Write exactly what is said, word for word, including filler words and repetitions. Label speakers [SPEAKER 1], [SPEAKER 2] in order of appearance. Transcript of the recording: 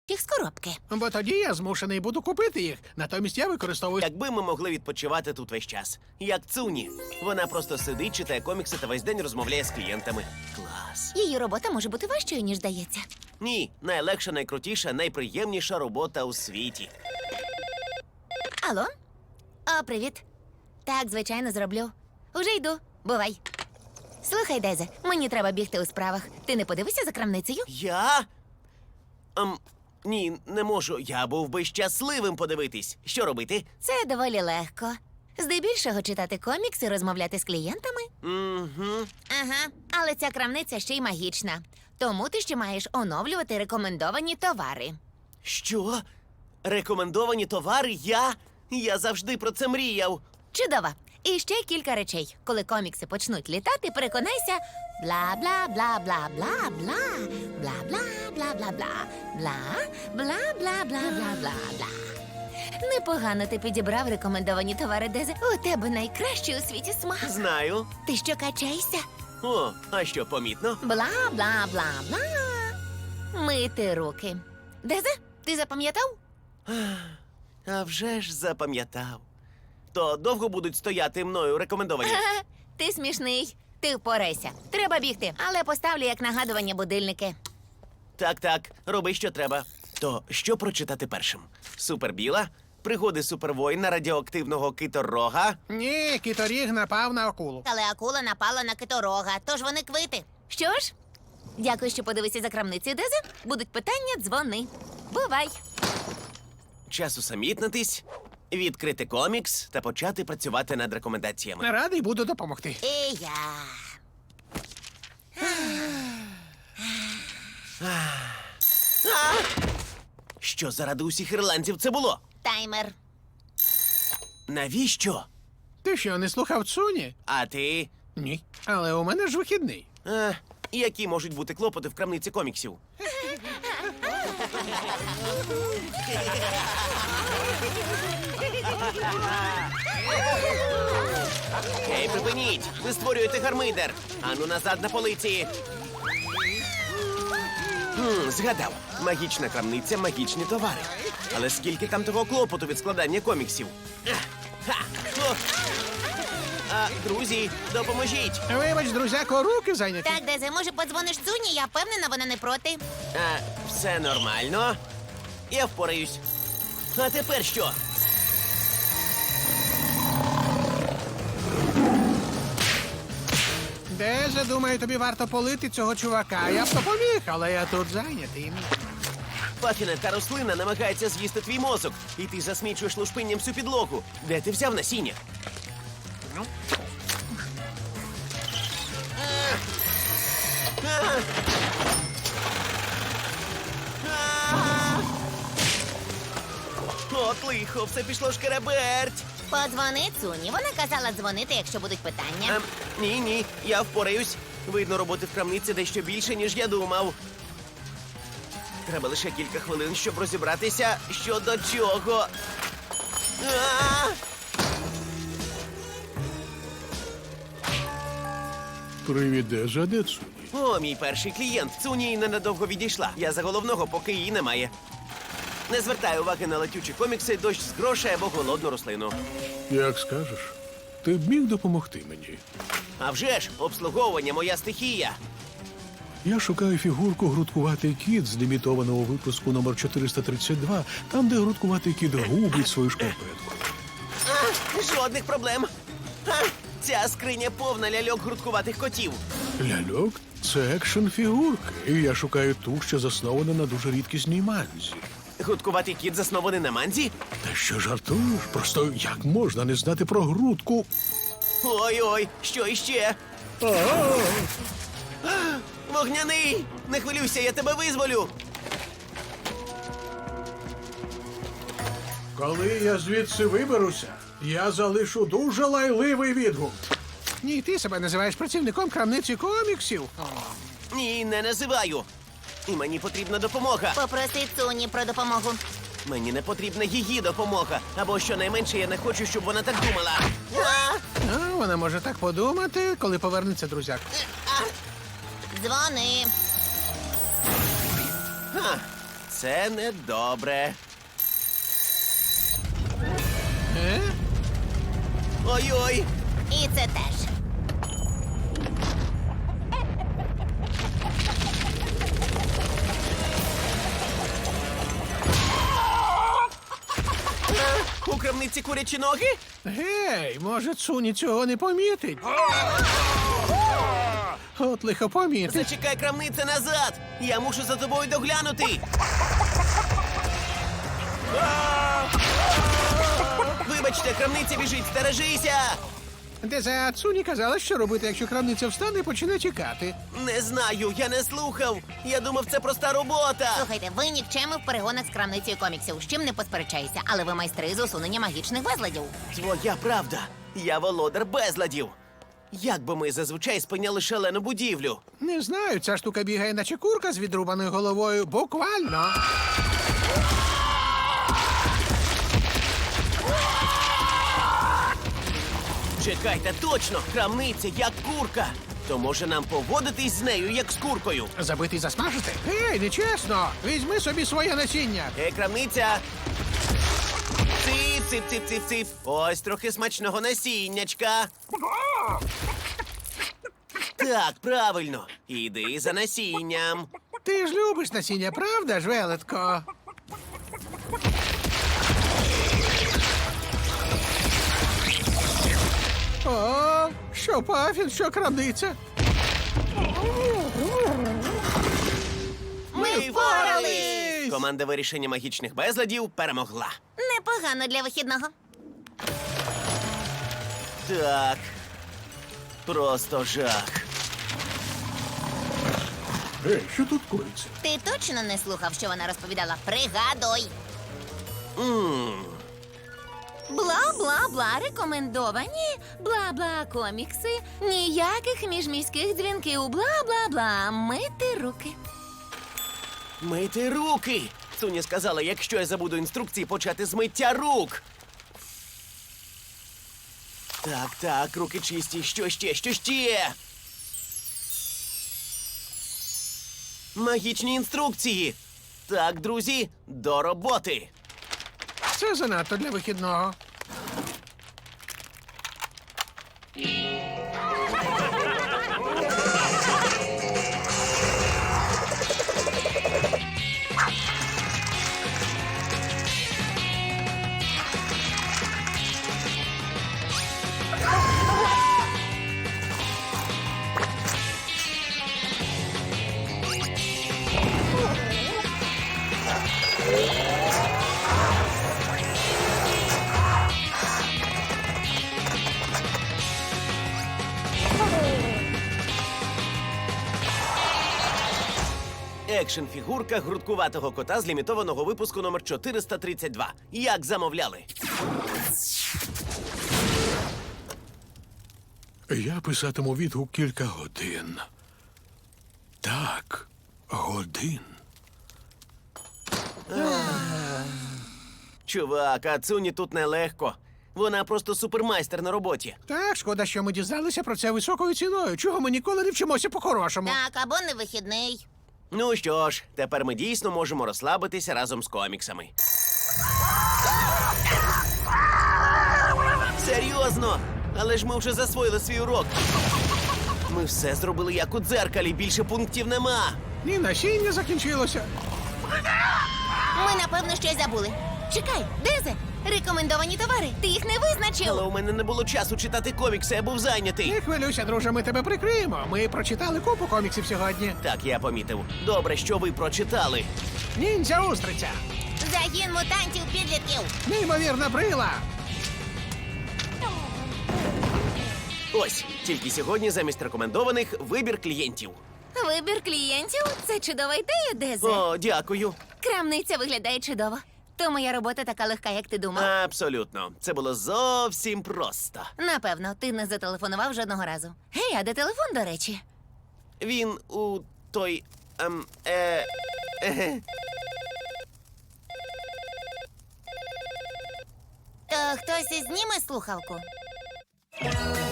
[SPEAKER 1] їх з коробки.
[SPEAKER 2] Бо тоді я змушений буду купити їх. Натомість я використовую...
[SPEAKER 3] Якби ми могли відпочивати тут весь час. Як Цуні. Вона просто сидить, читає комікси та весь день розмовляє з клієнтами. Клас.
[SPEAKER 1] Її робота може бути важчою, ніж здається.
[SPEAKER 3] Ні, найлегша, найкрутіша, найприємніша робота у світі.
[SPEAKER 1] Алло? О, привіт. Так, звичайно, зроблю. Уже йду. Бувай. Слухай, Дезе, мені треба бігти у справах. Ти не подивишся за крамницею?
[SPEAKER 3] Я? Ем, ні, не можу. Я був би щасливим подивитись. Що робити?
[SPEAKER 1] Це доволі легко. Здебільшого читати комікси, розмовляти з клієнтами.
[SPEAKER 3] Угу.
[SPEAKER 1] Ага, але ця крамниця ще й магічна. Тому ти ще маєш оновлювати рекомендовані товари.
[SPEAKER 3] Що? Рекомендовані товари? Я? Я завжди про це мріяв.
[SPEAKER 1] Чудово. І ще кілька речей. Коли комікси почнуть літати, переконайся. Бла-бла-бла-бла-бла-бла. Бла-бла-бла-бла-бла. Бла-бла-бла-бла-бла-бла. Непогано ти підібрав рекомендовані товари, Дезе. У тебе найкращий у світі смак.
[SPEAKER 3] Знаю.
[SPEAKER 1] Ти що, качаєшся?
[SPEAKER 3] О, а що, помітно?
[SPEAKER 1] Бла-бла-бла-бла. Мити руки. Дезе, ти запам'ятав?
[SPEAKER 3] А вже ж запам'ятав. То довго будуть стояти мною рекомендовані?
[SPEAKER 1] Ха-ха, ти смішний. Ти впорайся. Треба бігти, але поставлю як нагадування будильники.
[SPEAKER 3] Так, так, роби, що треба. То що прочитати першим? Супербіла? Пригоди супервоїна радіоактивного киторога?
[SPEAKER 2] Ні, кіторіг напав на акулу.
[SPEAKER 1] Але акула напала на киторога, тож вони квити. Що ж? Дякую, що подивився за крамницею, Дезе. Будуть питання, дзвони. Бувай.
[SPEAKER 3] Час усамітнитись, відкрити комікс та почати працювати над рекомендаціями.
[SPEAKER 2] Радий буду допомогти.
[SPEAKER 1] І я.
[SPEAKER 3] Що заради усіх ірландців це було?
[SPEAKER 1] Таймер.
[SPEAKER 3] Навіщо?
[SPEAKER 2] Ти що, не слухав Цуні?
[SPEAKER 3] А ти?
[SPEAKER 2] Ні. Але у мене ж вихідний.
[SPEAKER 3] А, які можуть бути клопоти в крамниці коміксів? Гей, припиніть! Ви створюєте гармидер! Ану назад на полиці! Хм, згадав. Магічна крамниця, магічні товари. Але скільки там того клопоту від складання коміксів? Ех, ха, о. А, друзі, допоможіть!
[SPEAKER 2] Вибач, друзяко, руки зайняті.
[SPEAKER 1] Так, Дезе, може подзвониш Цуні? Я впевнена, вона не проти.
[SPEAKER 3] А, все нормально. Я впораюсь. А тепер що?
[SPEAKER 2] Деже, думаю, тобі варто полити цього чувака. Я б допоміг, але я тут зайнятий.
[SPEAKER 3] Пафіне, та рослина намагається з'їсти твій мозок, і ти засмічуєш лушпинням всю підлогу. Де ти взяв насіння?
[SPEAKER 2] Ну.
[SPEAKER 3] А! А! А! От лихо, все пішло шкереберть.
[SPEAKER 1] Подзвони Цуні. Вона казала дзвонити, якщо будуть питання.
[SPEAKER 3] Ем, ні, ні, я впораюсь. Видно, роботи в крамниці дещо більше, ніж я думав. Треба лише кілька хвилин, щоб розібратися, що до чого. А!
[SPEAKER 4] Привіт, Деже, а де Цуні?
[SPEAKER 3] О, мій перший клієнт. Цуні ненадовго відійшла. Я за головного, поки її немає. Не звертай уваги на летючі комікси, дощ з грошей або голодну рослину.
[SPEAKER 4] Як скажеш, ти б міг допомогти мені.
[SPEAKER 3] А вже ж, обслуговування моя стихія.
[SPEAKER 4] Я шукаю фігурку «Грудкуватий кіт» з лімітованого випуску номер чотириста тридцять два, там, де грудкуватий кіт губить свою шкарпетку.
[SPEAKER 3] А, жодних проблем. А, ця скриня повна ляльок грудкуватих котів.
[SPEAKER 4] Ляльок – це екшн-фігурки, і я шукаю ту, що заснована на дуже рідкісній манзі.
[SPEAKER 3] Грудкуватий кіт заснований на манзі?
[SPEAKER 4] Та що жартуєш? Просто як можна не знати про грудку?
[SPEAKER 3] Ой-ой, що іще?
[SPEAKER 4] А-а-а!
[SPEAKER 3] А, вогняний! Не хвилюйся, я тебе визволю!
[SPEAKER 4] Коли я звідси виберуся, я залишу дуже лайливий відгук.
[SPEAKER 2] Ні, ти себе називаєш працівником крамниці коміксів. О.
[SPEAKER 3] Ні, не називаю. І мені потрібна допомога.
[SPEAKER 1] Попроси Цуні про допомогу.
[SPEAKER 3] Мені не потрібна її допомога. Або щонайменше я не хочу, щоб вона так думала. А!
[SPEAKER 2] А, вона може так подумати, коли повернеться друзяк.
[SPEAKER 1] Дзвони.
[SPEAKER 3] А! це недобре.
[SPEAKER 2] Е?
[SPEAKER 3] Ой-ой!
[SPEAKER 1] І це теж.
[SPEAKER 3] У крамниці курячі ноги?
[SPEAKER 2] Гей, може, Цуні цього не помітить? От лихо помітить.
[SPEAKER 3] Зачекай, крамниця, назад! Я мушу за тобою доглянути! Вибачте, крамниця біжить, стережися!
[SPEAKER 2] Дезе, Цуні казала, що робити, якщо крамниця встане і почне тікати.
[SPEAKER 3] Не знаю, я не слухав. Я думав, це проста робота.
[SPEAKER 1] Слухайте, ви нікчеми в перегонах з крамницею коміксів, з чим не посперечаюся, але ви майстри з усунення магічних безладів.
[SPEAKER 3] Твоя правда. Я володар безладів. Як би ми зазвичай спиняли шалену будівлю?
[SPEAKER 2] Не знаю, ця штука бігає, наче курка з відрубаною головою. Буквально.
[SPEAKER 3] Чекайте, точно! Крамниця як курка. То може нам поводитись з нею, як з куркою?
[SPEAKER 2] Забити і засмажити? Гей, нечесно! Візьми собі своє насіння.
[SPEAKER 3] Ей, крамниця! Цип, цип, цип, цип, цип. Ось трохи смачного насіннячка. Так, правильно. Іди за насінням.
[SPEAKER 2] Ти ж любиш насіння, правда ж, велетко? О, що пафін, що крамниця?
[SPEAKER 1] Ми впорались!
[SPEAKER 3] Команда вирішення магічних безладів перемогла.
[SPEAKER 1] Непогано для вихідного.
[SPEAKER 3] Так. Просто жах.
[SPEAKER 4] Ей, що тут коїться?
[SPEAKER 1] Ти точно не слухав, що вона розповідала? Пригадуй.
[SPEAKER 3] Мм.
[SPEAKER 1] Бла-бла-бла, рекомендовані, бла-бла комікси, ніяких міжміських дзвінків, бла-бла-бла, мити руки.
[SPEAKER 3] Мити руки. Суні сказала, якщо я забуду інструкції, почати з миття рук. Так, так, руки чисті. Що ще, що ще? Магічні інструкції. Так, друзі, до роботи.
[SPEAKER 2] Це занадто для вихідного.
[SPEAKER 3] Екшн-фігурка грудкуватого кота з лімітованого випуску номер чотириста тридцять два. Як замовляли.
[SPEAKER 4] Я писатиму відгук кілька годин. Так, годин.
[SPEAKER 3] Чувак, а Цуні тут нелегко. Вона просто супермайстер на роботі.
[SPEAKER 2] Так, шкода, що ми дізналися про це високою ціною. Чого ми ніколи не вчимося по-хорошому?
[SPEAKER 1] Так, або не вихідний.
[SPEAKER 3] Ну що ж, тепер ми дійсно можемо розслабитися разом з коміксами. Серйозно? Але ж ми вже засвоїли свій урок. Ми все зробили як у дзеркалі, більше пунктів нема.
[SPEAKER 2] Ні, насіння закінчилося.
[SPEAKER 1] Ми, напевно, щось забули. Чекай, Дезе, рекомендовані товари, ти їх не визначив.
[SPEAKER 3] Але у мене не було часу читати комікси, я був зайнятий.
[SPEAKER 2] Не хвилюйся, друже, ми тебе прикриємо. Ми прочитали купу коміксів сьогодні.
[SPEAKER 3] Так, я помітив. Добре, що ви прочитали.
[SPEAKER 2] Ніндзя устриця,
[SPEAKER 1] Загін мутантів підлітків.
[SPEAKER 2] неймовірна брила.
[SPEAKER 3] Ось, тільки сьогодні замість рекомендованих вибір клієнтів.
[SPEAKER 1] Вибір клієнтів – це чудова ідея, Дезе.
[SPEAKER 3] О, дякую.
[SPEAKER 1] Крамниця виглядає чудово. То моя робота така легка, як ти думав.
[SPEAKER 3] Абсолютно. Це було зовсім просто.
[SPEAKER 1] Напевно, ти не зателефонував жодного разу. Гей, а де телефон, до речі?
[SPEAKER 3] Він у той. Ем, е, е,
[SPEAKER 1] То хтось ізніме слухавку?